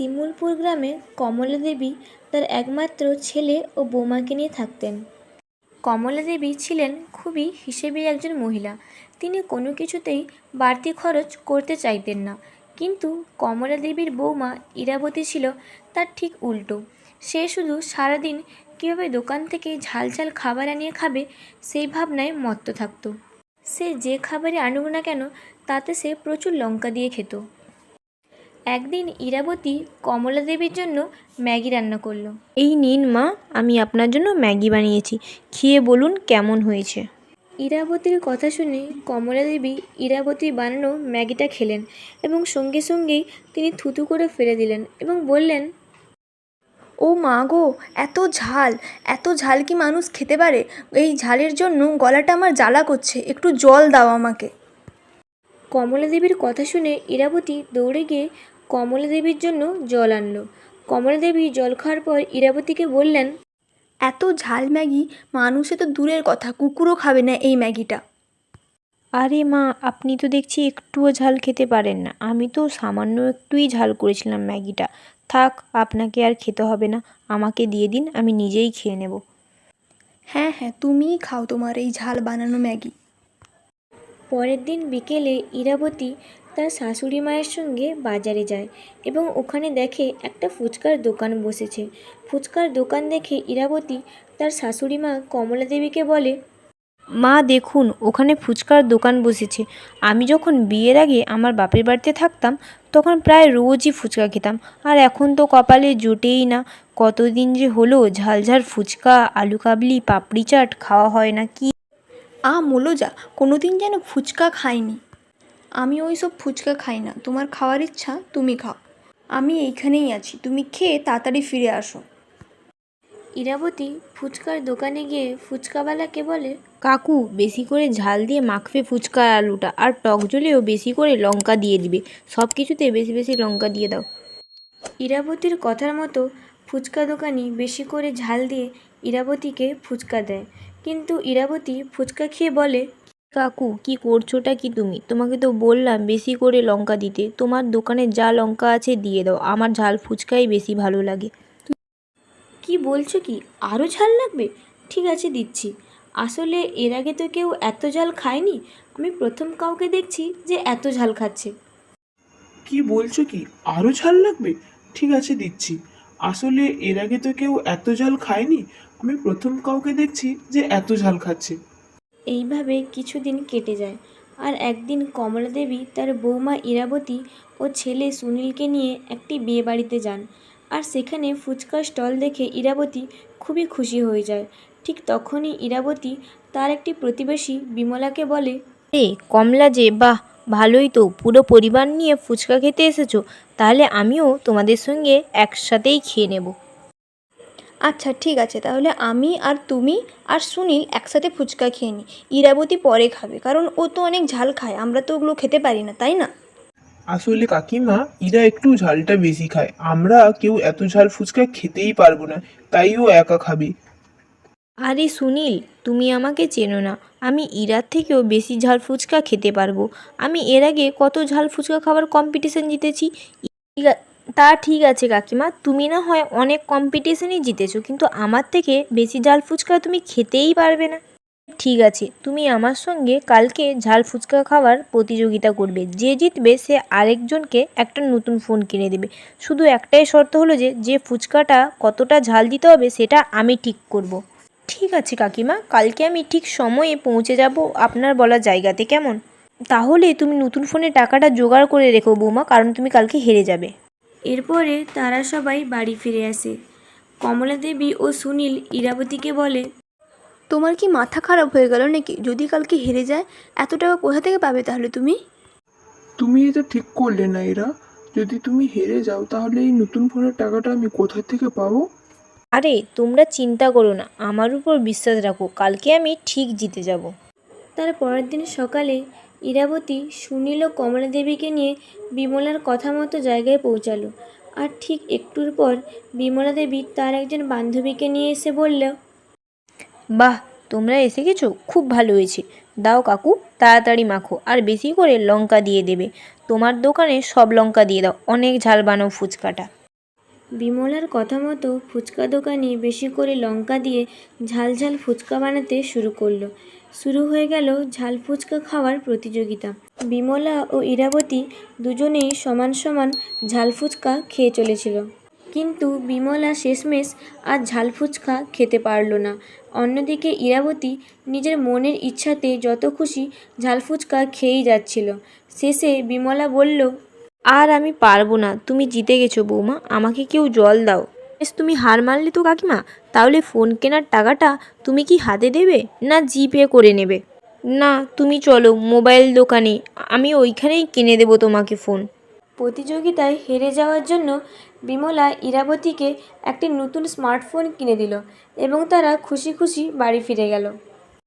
শিমুলপুর গ্রামে কমলা দেবী তার একমাত্র ছেলে ও বৌমাকে নিয়ে থাকতেন। কমলা দেবী ছিলেন খুবই হিসেবি একজন মহিলা। তিনি কোনো কিছুতেই বাড়তি খরচ করতে চাইতেন না। কিন্তু কমলা দেবীর বৌমা ইরাবতী ছিল তার ঠিক উল্টো। সে শুধু সারাদিন কীভাবে দোকান থেকে ঝাল ঝাল খাবার আনিয়ে খাবে সেই ভাবনায় মত্ত থাকত। সে যে খাবারই আনুক না কেন তাতে সে প্রচুর লঙ্কা দিয়ে খেত। একদিন ইরাবতী কমলা দেবীর জন্য ম্যাগি রান্না করলো। এই নিন মা, আমি আপনার জন্য ম্যাগি বানিয়েছি, খেয়ে বলুন কেমন হয়েছে। ইরাবতীর কথা শুনে কমলা দেবী ইরাবতীর বানানো ম্যাগিটা খেলেন এবং সঙ্গে সঙ্গেই তিনি থুতু করে ফেলে দিলেন এবং বললেন, ও মা গো, এত ঝাল! এত ঝাল কি মানুষ খেতে পারে? এই ঝালের জন্য গলাটা আমার জ্বালা করছে, একটু জল দাও আমাকে। কমলা দেবীর কথা শুনে ইরাবতী দৌড়ে গিয়ে কমলা দেবীর জন্য জল আনলো। কমলা দেবী জল খাওয়ার পর ইরাবতীকে বললেন, এত ঝাল ম্যাগি মানুষে তো দূরের কথা, কুকুরও খাবে না এই ম্যাগিটা। আরে মা, আপনি তো দেখছি একটুও ঝাল খেতে পারেন না। আমি তো সামান্য একটুই ঝাল করেছিলাম ম্যাগিটা। থাক, আপনাকে আর খেতে হবে না, আমাকে দিয়ে দিন, আমি নিজেই খেয়ে নেব। হ্যাঁ হ্যাঁ, তুমিই খাও তোমার এই ঝাল বানানো ম্যাগি। পরের দিন বিকেলে ইরাবতী তার শাশুড়ি মায়ের সঙ্গে বাজারে যায় এবং ওখানে দেখে একটা ফুচকার দোকান বসেছে। ফুচকার দোকান দেখে ইরাবতী তার শাশুড়ি মা কমলা দেবীকে বলে, মা দেখুন, ওখানে ফুচকার দোকান বসেছে। আমি যখন বিয়ের আগে আমার বাপের বাড়িতে থাকতাম তখন প্রায় রোজই ফুচকা খেতাম, আর এখন তো কপালে জোটেই না। কতদিন যে হলো ঝাল ঝাল ফুচকা, আলু কাবলি, পাপড়ি চাট খাওয়া হয় না। কি মোলো কোনোদিন যেন ফুচকা খাইনি। আমি ওই সব ফুচকা খাই না, তোমার খাওয়ার ইচ্ছা তুমি খাও, আমি এইখানেই আছি, তুমি খেয়ে তাড়াতাড়ি ফিরে আসো। ইরাবতী ফুচকার দোকানে গিয়ে ফুচকাওয়ালাকে বলে, কাকু, বেশি করে ঝাল দিয়ে মাখবে ফুচকার আলুটা, আর টক ঝোলেও বেশি করে লঙ্কা দিয়ে দিবে। সব কিছুতে বেশি বেশি লঙ্কা দিয়ে দাও। ইরাবতীর কথার মতো ফুচকা দোকানি বেশি করে ঝাল দিয়ে ইরাবতীকে ফুচকা দেয়। কিন্তু ইরাবতী ফুচকা খেয়ে বলে, কাকু, কি করছোটা কি তুমি? তোমাকে তো বললাম বেশি করে লঙ্কা দিতে। তোমার দোকানে যা লঙ্কা আছে দিয়ে দাও, আমার ঝাল ফুচকাই বেশি ভালো লাগে। কি বলছো কি, আরও ঝাল লাগবে? ঠিক আছে, দিচ্ছি। আসলে এর আগে তো কেউ এত ঝাল খায়নি, আমি প্রথম কাউকে দেখছি যে এত ঝাল খাচ্ছে। কি বলছো কি, আরো ঝাল লাগবে? ঠিক আছে, দিচ্ছি। আসলে এর আগে তো কেউ এত ঝাল খায়নি, আমি প্রথম কাউকে দেখছি যে এত ঝাল খাচ্ছে। এইভাবে কিছুদিন কেটে যায়। আর একদিন কমলা দেবী তার বৌমা ইরাবতী ও ছেলে সুনীলকে নিয়ে একটি বিয়ে বাড়িতে যান। আর সেখানে ফুচকার স্টল দেখে ইরাবতী খুবই খুশি হয়ে যায়। ঠিক তখনই ইরাবতী তার একটি প্রতিবেশী বিমলাকে বলে, কমলা যে, বাহ, ভালোই তো, পুরো পরিবার নিয়ে ফুচকা খেতে এসেছো। তাহলে আমিও তোমাদের সঙ্গে একসাথেই খেয়ে নেব। আচ্ছা ঠিক আছে, তাহলে আমি আর তুমি আর সুনীল একসাথে ফুচকা খেয়ে নিই। ইরাবতী পরে খাবে, কারণ ও তো অনেক ঝাল খায়, আমরা তো ওগুলো খেতে পারি না, তাই না? আসলে কাকিমা, এরা একটু ঝালটা বেশি খায়, আমরা কেউ এত ঝাল ফুচকা খেতেই পারবো না, তাই ও একা খাবে। আরে সুনীল, তুমি আমাকে চেনো না, আমি ইরার থেকেও বেশি ঝাল ফুচকা খেতে পারবো। আমি এর আগে কত ঝাল ফুচকা খাবার কম্পিটিশন জিতেছি। তা ঠিক আছে কাকিমা, তুমি না হয় অনেক কম্পিটিশনই জিতেছো, কিন্তু আমার থেকে বেশি ঝাল ফুচকা তুমি খেতেই পারবে না। ঠিক আছে, তুমি আমার সঙ্গে কালকে ঝাল ফুচকা খাওয়ার প্রতিযোগিতা করবে। যে জিতবে সে আরেকজনকে একটা নতুন ফোন কিনে দেবে। শুধু একটাই শর্ত হলো যে যে ফুচকাটা কতটা ঝাল দিতে হবে সেটা আমি ঠিক করব। ঠিক আছে কাকিমা, কালকে আমি ঠিক সময়ে পৌঁছে যাব আপনার বলা জায়গাতে, কেমন? তাহলে তুমি নতুন ফোনে টাকাটা জোগাড় করে রেখো বৌমা, কারণ তুমি কালকে হেরে যাবে। এরপরে তারা সবাই বাড়ি ফিরে আসে। কমলা দেবী ও সুনীল ইরাবতীকে বলে, তোমার কি মাথা খারাপ হয়ে গেল নাকি? যদি কালকে হেরে যায়, এত টাকা কোথা থেকে পাবে তাহলে তুমি? তুমি এটা ঠিক করলে না এরা, যদি তুমি হেরে যাও তাহলে এই নতুন ফোনের টাকাটা আমি কোথা থেকে পাবো? আরে তোমরা চিন্তা করো না, আমার উপর বিশ্বাস রাখো, কালকে আমি ঠিক জিতে যাব। তার পরের দিন সকালে ইরাবতী সুনীল ও কমলা দেবীকে নিয়ে বিমলার কথা মতো জায়গায় পৌঁছালো। আর ঠিক একটুর পর বিমলা দেবী তার একজন বান্ধবীকে নিয়ে এসে বলল, বাহ, তোমরা এসে গেছো, খুব ভালো হয়েছে। দাও কাকু, তাড়াতাড়ি মাখো, আর বেশি করে লঙ্কা দিয়ে দেবে। তোমার দোকানে সব লঙ্কা দিয়ে দাও, অনেক ঝাল বানাও ফুচকাটা। বিমলার কথা মতো ফুচকা দোকানি বেশি করে লঙ্কা দিয়ে ঝাল ঝাল ফুচকা বানাতে শুরু করলো। শুরু হয়ে গেল ঝাল ফুচকা খাওয়ার প্রতিযোগিতা। বিমলা ও ইরাবতী দুজনেই সমান সমান ঝাল ফুচকা খেয়ে চলেছিল, কিন্তু বিমলা শেষমেশ আর ঝাল ফুচকা খেতে পারল না। অন্যদিকে ইরাবতী নিজের মনের ইচ্ছাতে যত খুশি ঝাল ফুচকা খেয়েই যাচ্ছিল। শেষে বিমলা বলল, আর আমি পারবো না, তুমি জিতে গেছো বৌমা, আমাকে কেউ জল দাও। বেশ, তুমি হার মানলে তো কাকিমা, তাহলে ফোন কেনার টাকাটা তুমি কি হাতে দেবে না জিপে করে নেবে? না, তুমি চলো মোবাইল দোকানে, আমি ওইখানেই কিনে দেবো তোমাকে ফোন। প্রতিযোগিতায় হেরে যাওয়ার জন্য বিমলা ইরাবতীকে একটি নতুন স্মার্টফোন কিনে দিল এবং তারা খুশি খুশি বাড়ি ফিরে গেল।